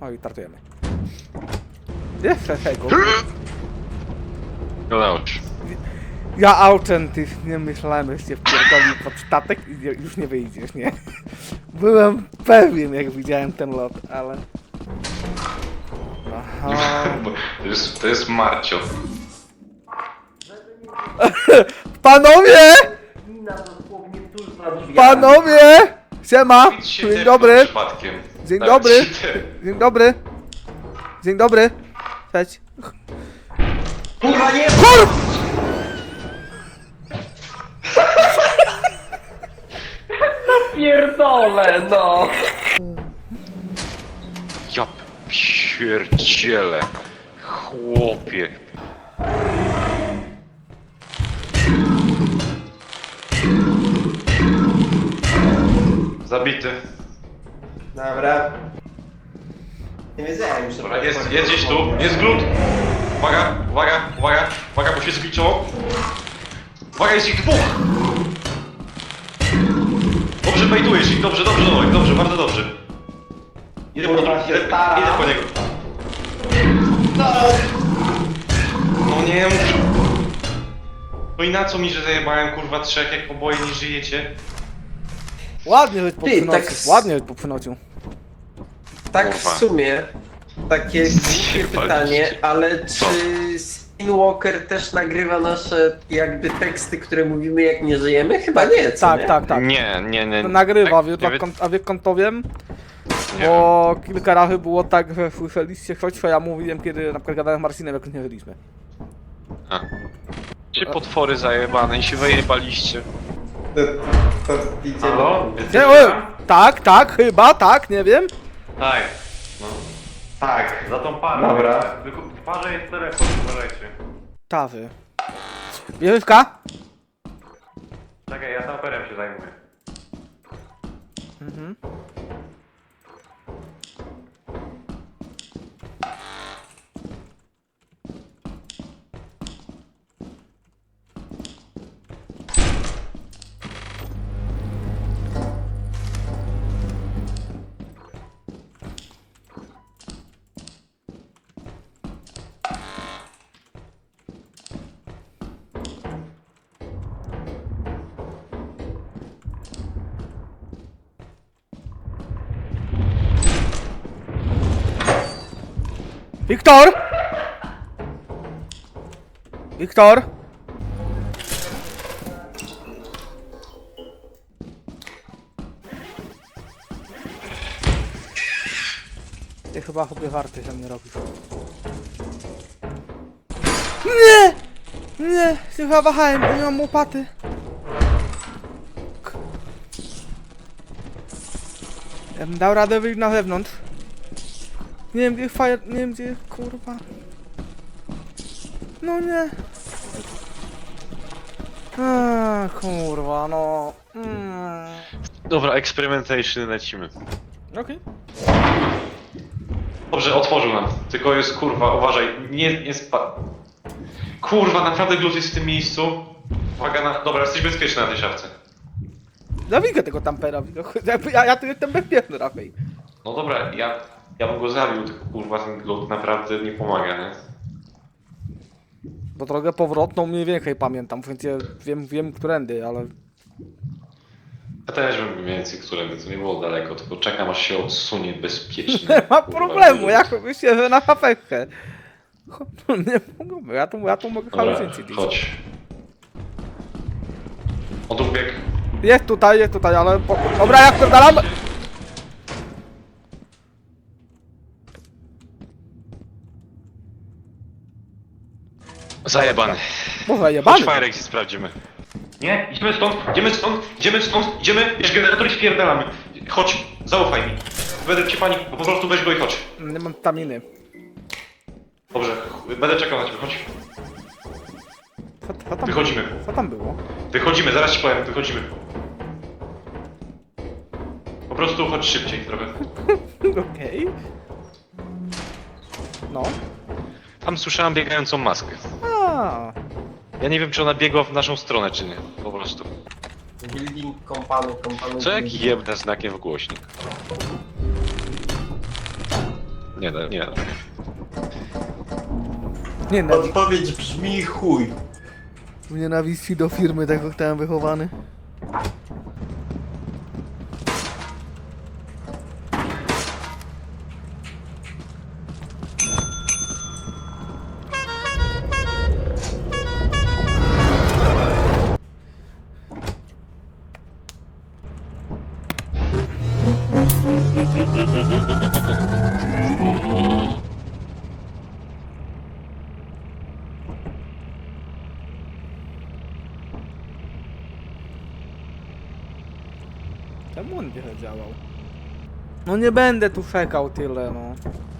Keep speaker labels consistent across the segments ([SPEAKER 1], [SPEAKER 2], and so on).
[SPEAKER 1] O i startujemy. Jeszcze tego.
[SPEAKER 2] Udało się.
[SPEAKER 1] Ja autentycznie myślałem, że się wpierdoli pod statek i już nie wyjdziesz, nie? Byłem pewien, jak widziałem ten lot, ale... Aha.
[SPEAKER 2] To jest Marcio.
[SPEAKER 1] Panowie!
[SPEAKER 3] Mina dosłownie tuż za drzwiami.
[SPEAKER 1] Panowie! Siema!
[SPEAKER 2] Nic się
[SPEAKER 1] Dzień
[SPEAKER 2] tepnął
[SPEAKER 1] dobry!
[SPEAKER 2] Przypadkiem.
[SPEAKER 1] Dzień
[SPEAKER 2] Nawet
[SPEAKER 1] dobry!
[SPEAKER 2] się te-
[SPEAKER 1] Dzień dobry! Dzień dobry! Cześć!
[SPEAKER 3] Kurwa nie! Pierdolę, no!
[SPEAKER 2] Ja pierdzielę. Chłopie. Zabity.
[SPEAKER 3] Dobra. Nie wiedziałem, że...
[SPEAKER 2] Dobra, jest gdzieś tu. Jest glut. Uwaga, uwaga, uwaga. Uwaga, bo się zgliczyło. Uwaga, jest ich dwóch. Dobrze baitujesz ich. Dobrze, dobrze, dobrze, dobrze, bardzo dobrze. Idę po,
[SPEAKER 3] Kurwa, się staram.
[SPEAKER 2] idę po niego. No nie muszę. No i na co mi, że zajebałem kurwa trzech, jak oboje nie żyjecie?
[SPEAKER 1] Ładnie żeś
[SPEAKER 3] Ty,
[SPEAKER 1] popłynął.
[SPEAKER 3] tak
[SPEAKER 1] Ładnie żeś popłynął.
[SPEAKER 3] Tak w
[SPEAKER 2] Kurwa.
[SPEAKER 3] sumie, takie głupie
[SPEAKER 2] Zjebaliście.
[SPEAKER 3] pytanie, ale
[SPEAKER 2] Co?
[SPEAKER 3] czy Skinwalker też nagrywa nasze jakby teksty, które mówimy jak nie żyjemy? Chyba nie, co
[SPEAKER 1] Tak,
[SPEAKER 3] nie?
[SPEAKER 1] tak, tak.
[SPEAKER 2] Nie.
[SPEAKER 1] To nagrywa,
[SPEAKER 2] Tak,
[SPEAKER 1] a wie kąt to wiem?
[SPEAKER 2] Nie
[SPEAKER 1] Bo kilka razy było tak, że słyszeliście coś, co ja mówiłem, kiedy na przykład gadałem z Marcinem, jak nie byliśmy.
[SPEAKER 2] A. Czy potwory zajebane i się wyjebaliście?
[SPEAKER 3] To idziemy.
[SPEAKER 2] Halo?
[SPEAKER 1] Nie, tak, tak, chyba, tak, nie wiem.
[SPEAKER 2] Tak. No. Tak, za tą parę.
[SPEAKER 3] Dobra.
[SPEAKER 2] Tylko w parze jest telefon, uważajcie.
[SPEAKER 1] Tawy. Bierzywka?
[SPEAKER 2] Czekaj, ja saperem się zajmuję.
[SPEAKER 1] Mhm. Wiktor! Wiktor! Ty chyba chłopie warty ze mnie robisz. Nie! Nie! Chyba wahałem, bo nie mam łopaty. Ja bym dał radę wyjść na zewnątrz. Nie wiem gdzie fire... nie wiem gdzie... kurwa... No nie... kurwa no...
[SPEAKER 2] Dobra, experimentation lecimy.
[SPEAKER 1] Okej.
[SPEAKER 2] Dobrze, otworzył nam. Tylko jest kurwa, uważaj, nie spa... Kurwa, naprawdę glut jest w tym miejscu. Uwaga na... Dobra, jesteś bezpieczny na tej szafce.
[SPEAKER 1] Zawikę tego tampera, ja tu jestem bezpieczny raczej.
[SPEAKER 2] No dobra, ja bym go zabił, tylko kurwa ten glut naprawdę nie pomaga, nie?
[SPEAKER 1] Bo drogę powrotną mniej więcej pamiętam, więc ja wiem którędy, ale...
[SPEAKER 2] Ja też bym mniej więcej, którędy, to nie było daleko, tylko czekam aż się odsunie bezpiecznie.
[SPEAKER 1] Nie ma
[SPEAKER 2] kurwa,
[SPEAKER 1] problemu,
[SPEAKER 2] glut.
[SPEAKER 1] jak myślę, że na hapeczkę. Nie mogę, ja tu mogę
[SPEAKER 2] Dobra,
[SPEAKER 1] halucynację.
[SPEAKER 2] chodź. On tu biegł.
[SPEAKER 1] Jest tutaj, ale... Dobra, jak to dalam?
[SPEAKER 2] Zajebany.
[SPEAKER 1] Może
[SPEAKER 2] Chodź
[SPEAKER 1] jebany.
[SPEAKER 2] Firexit sprawdzimy. Nie, idziemy stąd, bierz generator i spierdalamy. Chodź, zaufaj mi. Będę cię pani, po prostu weź go i chodź.
[SPEAKER 1] Nie mam staminy.
[SPEAKER 2] Dobrze, będę czekał na ciebie, chodź.
[SPEAKER 1] Co tam
[SPEAKER 2] Wychodzimy.
[SPEAKER 1] Co tam było?
[SPEAKER 2] Wychodzimy, zaraz ci powiem, wychodzimy. Po prostu chodź szybciej trochę.
[SPEAKER 1] Okej. No.
[SPEAKER 2] Tam słyszałem biegającą maskę.
[SPEAKER 1] A.
[SPEAKER 2] Ja nie wiem, czy ona biegła w naszą stronę, czy nie. Po prostu.
[SPEAKER 3] Building kompanu.
[SPEAKER 2] Co jak jebnę znakiem w głośnik? Nie da, nie da.
[SPEAKER 3] Odpowiedź brzmi chuj.
[SPEAKER 1] W nienawiści do firmy, tak zostałem wychowany. Czemu on nie działał? No nie będę tu czekał tyle, no.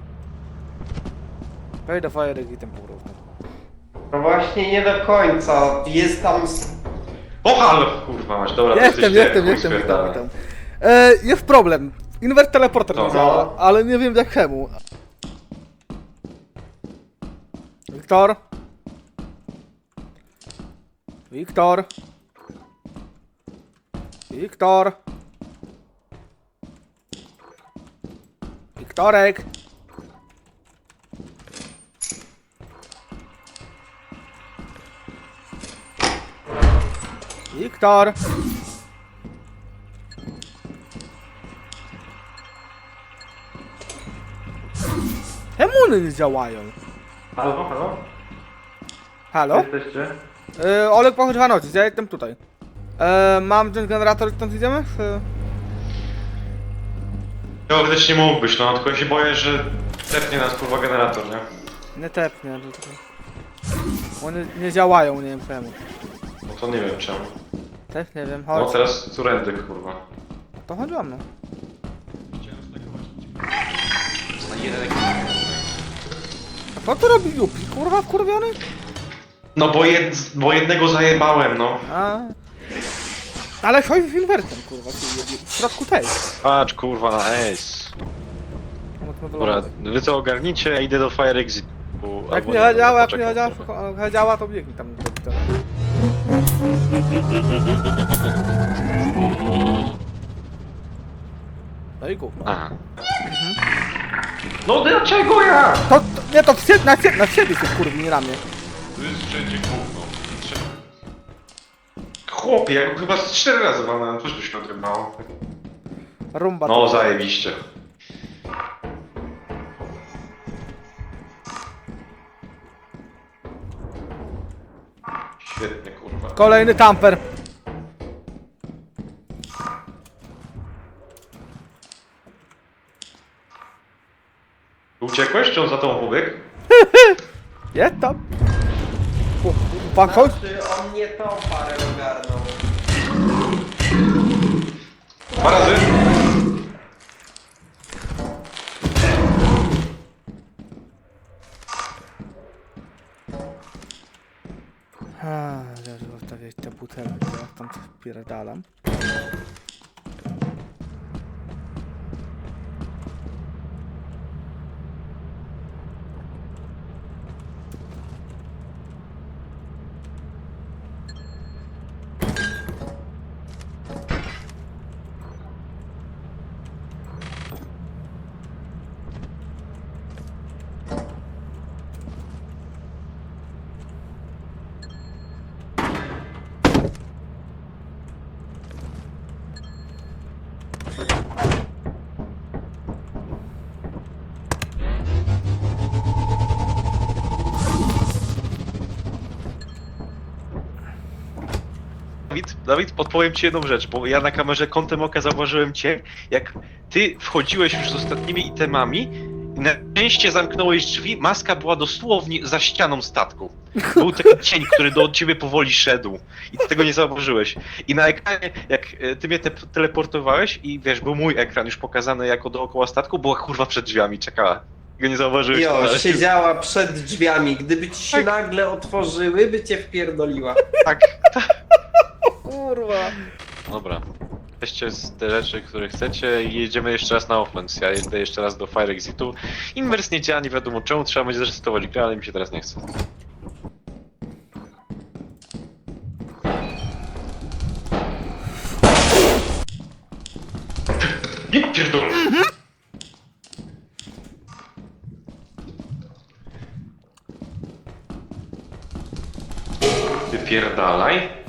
[SPEAKER 1] Wejdę Fire Exitem po prostu.
[SPEAKER 3] No właśnie nie do końca. Jest tam...
[SPEAKER 2] O halo! Kurwa masz, dobra, to
[SPEAKER 1] Jestem,
[SPEAKER 2] jesteście, chuj
[SPEAKER 1] witam,
[SPEAKER 2] spierdala.
[SPEAKER 1] witam. Jest problem. Invert teleporter
[SPEAKER 2] Co?
[SPEAKER 1] nie działa, ale nie wiem jak czemu. Wiktor? Wiktor? Wiktor? Wiktorek? Wiktor? Czemu one nie działają?
[SPEAKER 2] Halo, halo?
[SPEAKER 1] Halo?
[SPEAKER 2] Jesteście?
[SPEAKER 1] Olek pochodź Wanocis, ja jestem tutaj. Mam ten generator, stąd idziemy?
[SPEAKER 2] Teoretycznie mógłbyś, no, tylko ja się boję, że tepnie nas kurwa generator, nie?
[SPEAKER 1] Nie tepnie, to tylko... One nie działają, nie wiem czemu.
[SPEAKER 2] No to nie wiem czemu.
[SPEAKER 1] Też nie wiem,
[SPEAKER 2] No
[SPEAKER 1] chodź.
[SPEAKER 2] teraz turendy, kurwa.
[SPEAKER 1] To chodź za mną. A co tu robi Yupi? Kurwa wkurwiony?
[SPEAKER 2] No bo jednego zajebałem, no.
[SPEAKER 1] A. Ale chodź z inwertem, kurwa, w środku tej.
[SPEAKER 2] Patrz kurwa na ace. Dobra, wy to ogarnijcie, ja idę do Fire Exit.
[SPEAKER 1] Jak nie działa, jak nie działa, to biegnij tam do Wiktora. No i gówno.
[SPEAKER 2] Aha. No dlaczego ja?
[SPEAKER 1] Nie, to na siebie się kurwi, nie ramię.
[SPEAKER 2] Tu jest wszędzie gówno. Chłopie, ja go chyba z 4 razy walnąłem, coś by się odrybało.
[SPEAKER 1] Rumba.
[SPEAKER 2] No
[SPEAKER 1] to-
[SPEAKER 2] zajebiście. Świetnie kurwa.
[SPEAKER 1] Kolejny tamper.
[SPEAKER 2] Uciekłeś, czy on za tą pobiegł?
[SPEAKER 1] Jest tam. Pan chodź.
[SPEAKER 3] Znaczy on nie tą parę ogarnął.
[SPEAKER 2] 2 razy?
[SPEAKER 1] Zaraz zostawiać te butelki, ja tam spierdalam.
[SPEAKER 2] Dawid, podpowiem ci jedną rzecz, bo ja na kamerze kątem oka zauważyłem cię, jak ty wchodziłeś już z ostatnimi itemami i na szczęście zamknąłeś drzwi, maska była dosłownie za ścianą statku. Był taki cień, który do ciebie powoli szedł i ty tego nie zauważyłeś. I na ekranie, jak ty mnie teleportowałeś i wiesz, był mój ekran już pokazany jako dookoła statku, była kurwa przed drzwiami, czekała. Tego nie zauważyłeś.
[SPEAKER 3] Jo,
[SPEAKER 2] ale-
[SPEAKER 3] siedziała przed drzwiami. Gdyby ci się
[SPEAKER 2] Tak.
[SPEAKER 3] nagle otworzyły, by cię wpierdoliła.
[SPEAKER 2] Tak,
[SPEAKER 1] Kurwa.
[SPEAKER 2] dobra. Weźcie z te rzeczy, które chcecie i jedziemy jeszcze raz na offense. Ja jedę jeszcze raz do Fire Exitu. Inwers nie działa, nie wiadomo czemu, trzeba będzie zresetować grę, ale mi się teraz nie chce. Nie pierdolę! Wypierdalaj.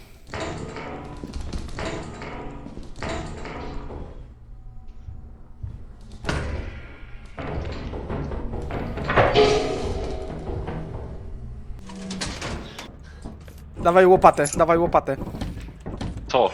[SPEAKER 1] Dawaj łopatę, dawaj łopatę.
[SPEAKER 2] Co?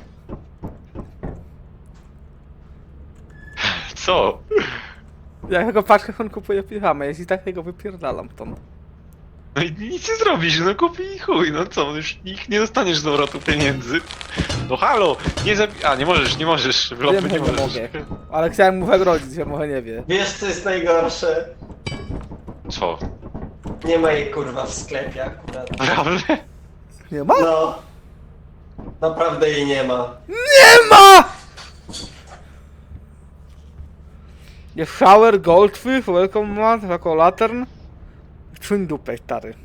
[SPEAKER 2] Co?
[SPEAKER 1] Ja jego paczkę on kupuje piżamę, jeśli tak jego wypierdalam stąd.
[SPEAKER 2] No i nic nie zrobisz, no kupi i chuj, no co, już nie dostaniesz z powrotu pieniędzy. No halo, nie a nie możesz, w lopy
[SPEAKER 1] Wiem,
[SPEAKER 2] nie
[SPEAKER 1] że nie
[SPEAKER 2] możesz.
[SPEAKER 1] mogę. Ale chciałem mu wygrodzić, że może nie wie.
[SPEAKER 3] Wiesz co jest najgorsze?
[SPEAKER 2] Co?
[SPEAKER 3] Nie ma jej kurwa w sklepie akurat.
[SPEAKER 2] Naprawdę?
[SPEAKER 1] Nie ma?
[SPEAKER 3] No. Naprawdę jej nie ma.
[SPEAKER 1] Nie ma! Jest shower, goldfish, welcome mat, jako lantern. Czyn dupę, stary.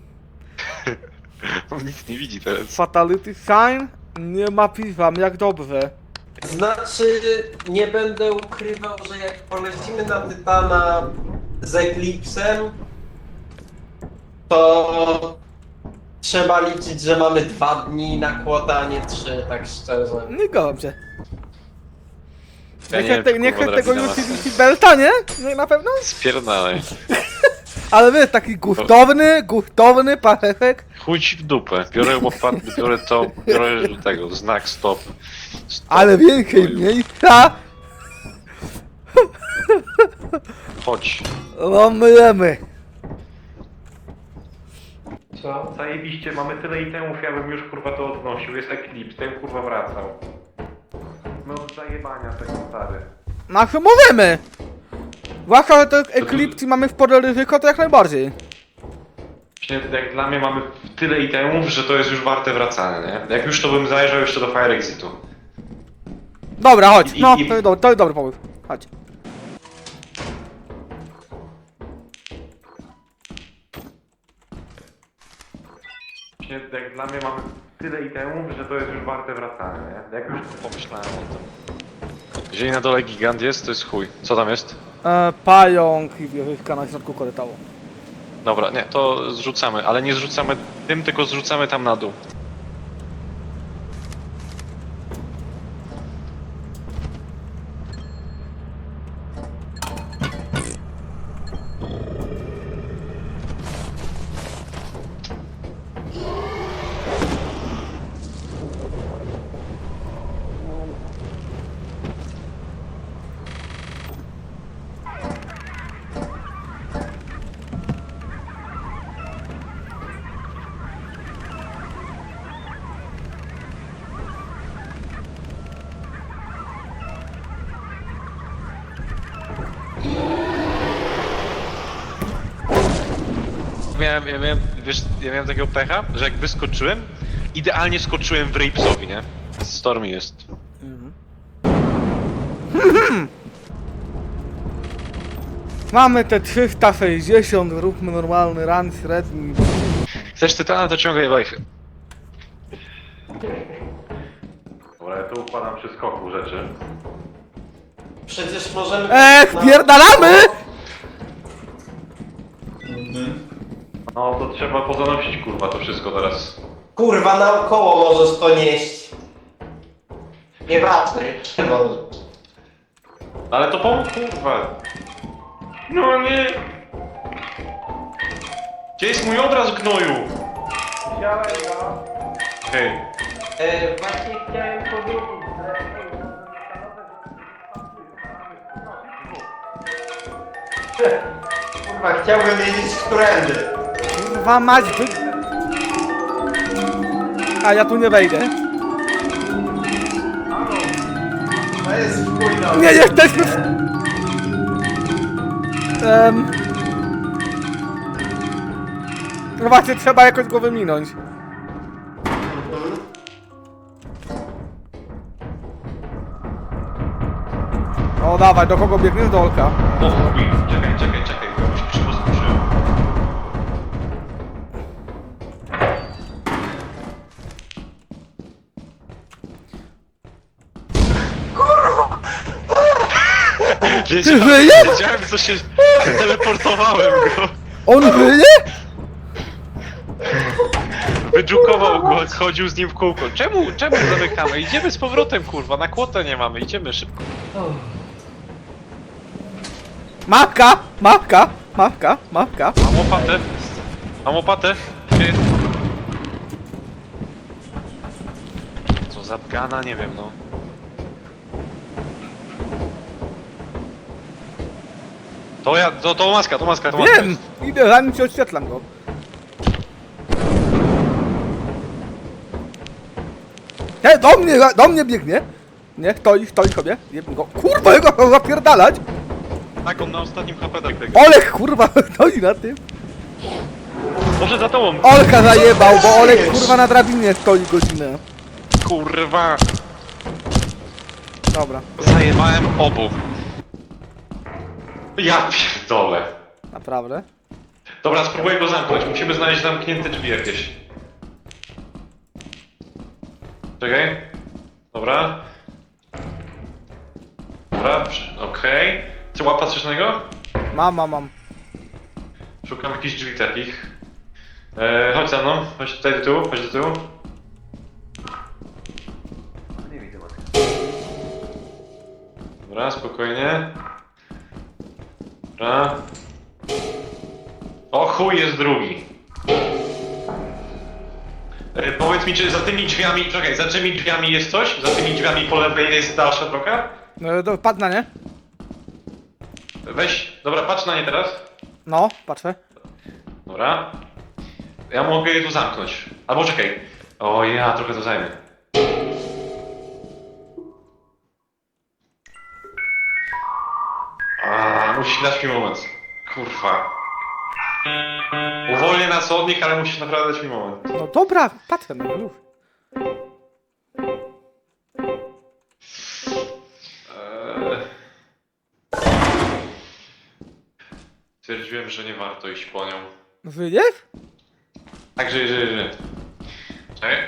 [SPEAKER 2] On nic nie widzi teraz.
[SPEAKER 1] Fatality sign. Nie ma piwam, jak dobrze.
[SPEAKER 3] Znaczy, nie będę ukrywał, że jak polecimy na Tytana z Eclipsem, to trzeba liczyć, że mamy 2 dni na kłota, a nie 3, tak szczerze.
[SPEAKER 1] Nie gołam się.
[SPEAKER 2] Ja
[SPEAKER 1] Nie
[SPEAKER 2] nie
[SPEAKER 1] chcę
[SPEAKER 2] wiem,
[SPEAKER 1] nie
[SPEAKER 2] kurwa,
[SPEAKER 1] chcę tego
[SPEAKER 2] drabina ma
[SPEAKER 1] utility belta, nie? Nie na pewno?
[SPEAKER 2] Spierdalaj.
[SPEAKER 1] Ale wiesz, taki gustowny parefek.
[SPEAKER 2] Chuj ci w dupę. Biorę łopatę, biorę to, biorę tego, znak stop. Stop.
[SPEAKER 1] Ale więcej miejsca.
[SPEAKER 2] Chodź.
[SPEAKER 1] No myjemy.
[SPEAKER 3] Co?
[SPEAKER 2] Zajebiście, mamy tyle itemów, ja bym już kurwa to odnosił. Jest Eclipse, ten kurwa wracał. No od zajebania tego stary.
[SPEAKER 1] Na co możemy? Zwłaszcza, że to Eclipse i mamy w porę ryzyko, to jak najbardziej.
[SPEAKER 2] Właśnie jak dla mnie mamy tyle itemów, że to jest już warte wracania, nie? Jak już to bym zajrzał jeszcze do Fire Exitu.
[SPEAKER 1] Dobra, chodź.
[SPEAKER 2] I-
[SPEAKER 1] No,
[SPEAKER 2] i-
[SPEAKER 1] to jest dobry pomysł. Chodź.
[SPEAKER 2] Właśnie jak dla mnie mamy tyle itemów, że to jest już warte wracania, nie? Jak już pomyślałem o tym. Jeżeli na dole gigant jest, to jest chuj. Co tam jest?
[SPEAKER 1] Pająk i wieżyczka na środku korytarza.
[SPEAKER 2] Dobra, nie, to zrzucamy, ale nie zrzucamy tym, tylko zrzucamy tam na dół. Ja miałem takiego pecha, że jak wyskoczyłem, idealnie skoczyłem w Rapesowi, nie? Stormy jest.
[SPEAKER 1] Mamy te 360, róbmy normalny run średni.
[SPEAKER 2] Chcesz Tytana, to ciągaj wajchy. Dobra, ja tu układam przy skoku rzeczy.
[SPEAKER 3] Przecież możemy...
[SPEAKER 1] Pierdalamy!
[SPEAKER 2] No to trzeba pozanosić kurwa to wszystko teraz.
[SPEAKER 3] Kurwa, naokoło możesz to nieść. Nieważne.
[SPEAKER 2] Ale to pomóż kurwa. No nie. Gdzie jest mój obraz gnoju? Hej.
[SPEAKER 3] Właśnie chciałem powiedzieć, że... Kurwa, chciałbym wiedzieć, którędy.
[SPEAKER 1] Kurwa mać, A ja tu nie wejdę.
[SPEAKER 3] To jest wpójno.
[SPEAKER 1] Nie jesteśmy w... No właśnie, trzeba jakoś go wyminąć. O dawaj, do kogo biegniesz? Do Olka.
[SPEAKER 2] O chuj, czekaj, bo już się poskoczyłem.
[SPEAKER 1] Ty żyjesz?
[SPEAKER 2] Wiedziałem, co się... Teleportowałem go.
[SPEAKER 1] On żyje?
[SPEAKER 2] Wydrukował go, chodził z nim w kółko. Czemu zamykamy? Idziemy z powrotem, kurwa, na kłotę nie mamy, idziemy szybko.
[SPEAKER 1] Mapka! Mapka! Mapka! Mapka!
[SPEAKER 2] Mam łopatę. Mam łopatę. Ty. Co za gana, nie wiem, no. To maska.
[SPEAKER 1] Wiem! Idę, zanim ci oświetlam go. Hej, do mnie biegnie! Nie, stoi sobie. Jebmy go. Kurwa, jego chcą zapierdalać!
[SPEAKER 2] Tak, on na ostatnim HP tak biega.
[SPEAKER 1] Olek, kurwa, stoi na tym.
[SPEAKER 2] Może za tobą.
[SPEAKER 1] Olka zajebał, bo Olek, kurwa, na drabinie stoi godzinę.
[SPEAKER 2] Kurwa.
[SPEAKER 1] Dobra,
[SPEAKER 2] Zajebałem obu. Ja pierdolę.
[SPEAKER 1] naprawdę.
[SPEAKER 2] Dobra, spróbuję go zamknąć. Musimy znaleźć zamknięte drzwi jakieś. Czekaj. Dobra. Dobra, okej. Czy łapa coś na niego?
[SPEAKER 1] Mam.
[SPEAKER 2] Szukam jakichś drzwi takich. Chodź za mną, chodź tutaj do tyłu, chodź do tyłu. Nie widzę matki. Dobra, spokojnie. Dobra. O chuj, jest drugi. Powiedz mi, czy za tymi drzwiami, czekaj, za tymi drzwiami jest coś? Za tymi drzwiami po lewej jest dalsza droga?
[SPEAKER 1] Padł na nie?
[SPEAKER 2] Weź, dobra, patrz na nie teraz.
[SPEAKER 1] No, patrzę.
[SPEAKER 2] Dobra. Ja mogę je tu zamknąć. Albo czekaj. O ja, trochę to zajmę. Musisz dać mi moment. Kurwa. Uwolnię nas od nich, ale musisz naprawdę dać mi moment.
[SPEAKER 1] No dobra, patrzę na już.
[SPEAKER 2] Stwierdziłem, że nie warto iść po nią.
[SPEAKER 1] Wyjdziesz?
[SPEAKER 2] Także jeżeli... Czekaj.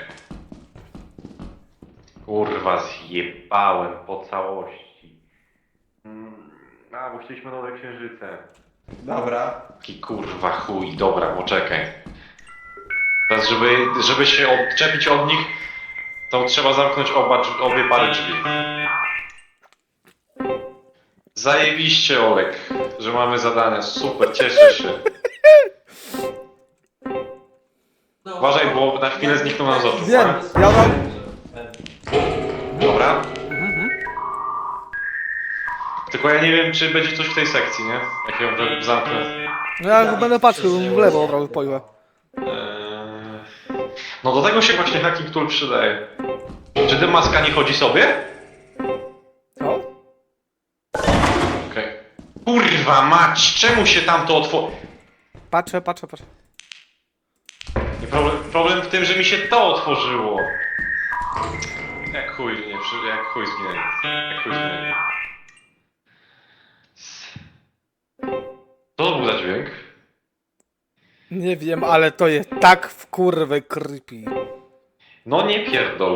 [SPEAKER 2] Kurwa, zjebałem po całości. Bo chcieliśmy nowe księżyce.
[SPEAKER 3] Dobra.
[SPEAKER 2] Taki kurwa chuj, dobra, poczekaj. Teraz, żeby się odczepić od nich, to trzeba zamknąć obie pary drzwi. Zajebiście, Olek, że mamy zadania, super, cieszę się. Uważaj, bo na chwilę znikną nam z oczu.
[SPEAKER 1] Wiem, ja mam...
[SPEAKER 2] Dobra. Tylko ja nie wiem, czy będzie coś w tej sekcji, nie? Jak ją tak zamknę.
[SPEAKER 1] No ja będę patrzył w lewo od razu pojłę.
[SPEAKER 2] No do tego się właśnie hacking tool przydaje. Czy ty maska nie chodzi sobie?
[SPEAKER 1] Co?
[SPEAKER 2] Okej. Kurwa mać, czemu się tam to otworzy?
[SPEAKER 1] Patrzę.
[SPEAKER 2] Problem w tym, że mi się to otworzyło. Jak chuj zginęli. Jak chuj zginęli. Co to był za dźwięk?
[SPEAKER 1] Nie wiem, ale to jest tak w kurwę creepy.
[SPEAKER 2] No nie pierdol.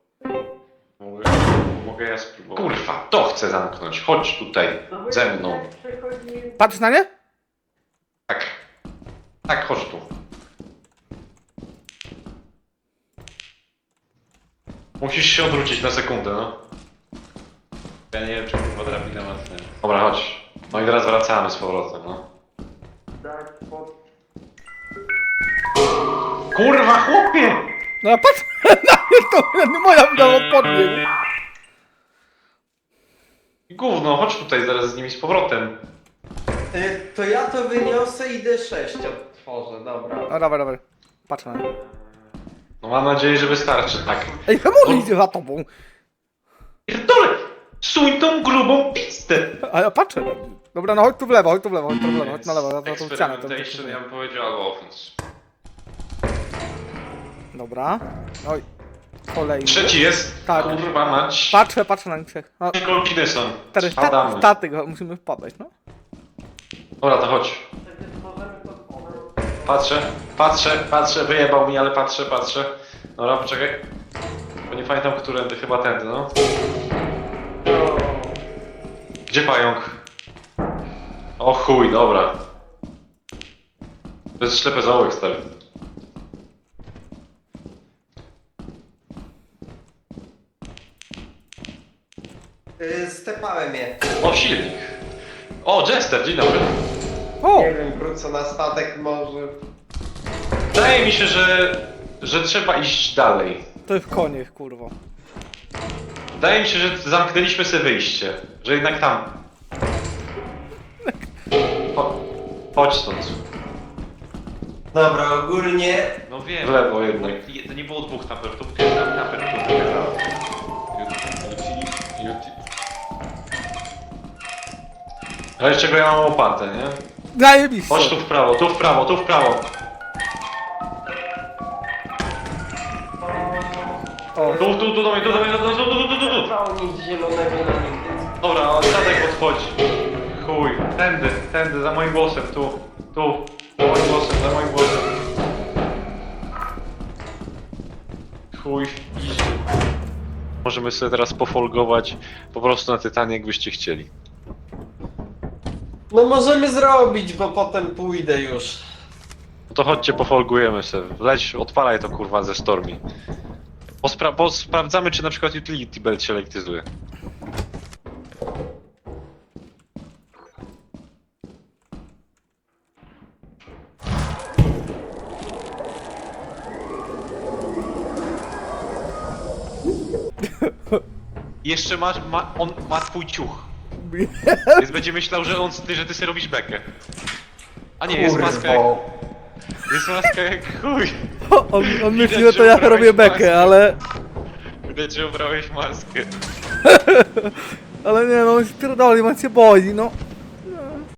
[SPEAKER 2] Mogę ja spróbować. Kurwa, to chcę zamknąć. Chodź tutaj, ze mną.
[SPEAKER 1] Patrz na nie?
[SPEAKER 2] Tak. Tak, chodź tu. Musisz się odwrócić na sekundę, no. Ja nie wiem, czy kurwa drabina ma sens. Dobra, chodź. No i teraz wracamy z powrotem, no. Kurwa, chłopie!
[SPEAKER 1] No ja patrz na nie, to nie moja wina podbiegł.
[SPEAKER 2] Gówno, chodź tutaj zaraz z nimi z powrotem.
[SPEAKER 3] To ja to wyniosę i D6 otworzę, dobra.
[SPEAKER 1] No dawaj. Patrz na nie.
[SPEAKER 2] No mam nadzieję, że wystarczy, tak.
[SPEAKER 1] Ej, czemu on idzie za tobą?
[SPEAKER 2] Pierdolę! Suń tą grubą pistę!
[SPEAKER 1] A ja patrzę. Dobra, no chodź tu w lewo, chodź na lewo, za tą ścianę.
[SPEAKER 2] Experimentation, ja bym powiedział, albo offense.
[SPEAKER 1] Dobra. Oj. Kolejny.
[SPEAKER 2] Trzeci jest.
[SPEAKER 1] Tak.
[SPEAKER 2] Kurwa mać.
[SPEAKER 1] Patrzę na nich trzech. No,
[SPEAKER 2] Kolpiny są.
[SPEAKER 1] teraz
[SPEAKER 2] Spadamy.
[SPEAKER 1] statek, musimy wpadać, no.
[SPEAKER 2] Dobra, to chodź. Patrzę, wyjebał mi, ale patrzę. Dobra, poczekaj. Bo nie pamiętam, którędy, chyba tędy, no. Gdzie pająk? O chuj, dobra. To jest ślepy zaułek, stary.
[SPEAKER 3] Stepałem je.
[SPEAKER 2] O, silnik. O, Jester, dzień dobry.
[SPEAKER 1] O!
[SPEAKER 3] Nie wiem, wrócę na statek może.
[SPEAKER 2] Wydaje mi się, że trzeba iść dalej.
[SPEAKER 1] To jest koniec, kurwa.
[SPEAKER 2] Wydaje mi się, że zamknęliśmy sobie wyjście. Że jednak tam. Chodź stąd.
[SPEAKER 3] Dobra, ogólnie...
[SPEAKER 2] No wiem. W lewo jednak. To nie było dwóch naper, to był naper, który wygrał. Ale czego ja mam łopatę, nie?
[SPEAKER 1] Zajebiście.
[SPEAKER 2] Chodź tu w prawo, tu w prawo, tu w prawo.
[SPEAKER 1] O,
[SPEAKER 2] Tu do mnie, tu.
[SPEAKER 3] Trwało nic zielonego na nigdy.
[SPEAKER 2] Dobra, statek podchodzi. Chuj, tędy, za moim głosem, tu. Za moim głosem. Chuj, idzie. Możemy sobie teraz pofolgować po prostu na Tytanie, jakbyście chcieli.
[SPEAKER 3] No możemy zrobić, bo potem pójdę już.
[SPEAKER 2] No to chodźcie, pofolgujemy sobie. Leć, odpalaj to kurwa ze Stormi. Sprawdzamy, czy na przykład Utility Belt się lektyzuje. Jeszcze on ma twój ciuch. Więc będzie myślał, że ty sobie robisz bekę. A nie, jest maska jak... Jest maska jak chuj.
[SPEAKER 1] on myśli, że to ja
[SPEAKER 2] ubrałeś
[SPEAKER 1] robię bekę,
[SPEAKER 2] maskę.
[SPEAKER 1] ale...
[SPEAKER 2] Widać, że ubrałeś maskę.
[SPEAKER 1] Ale nie no, on spierdoli, on się boi, no.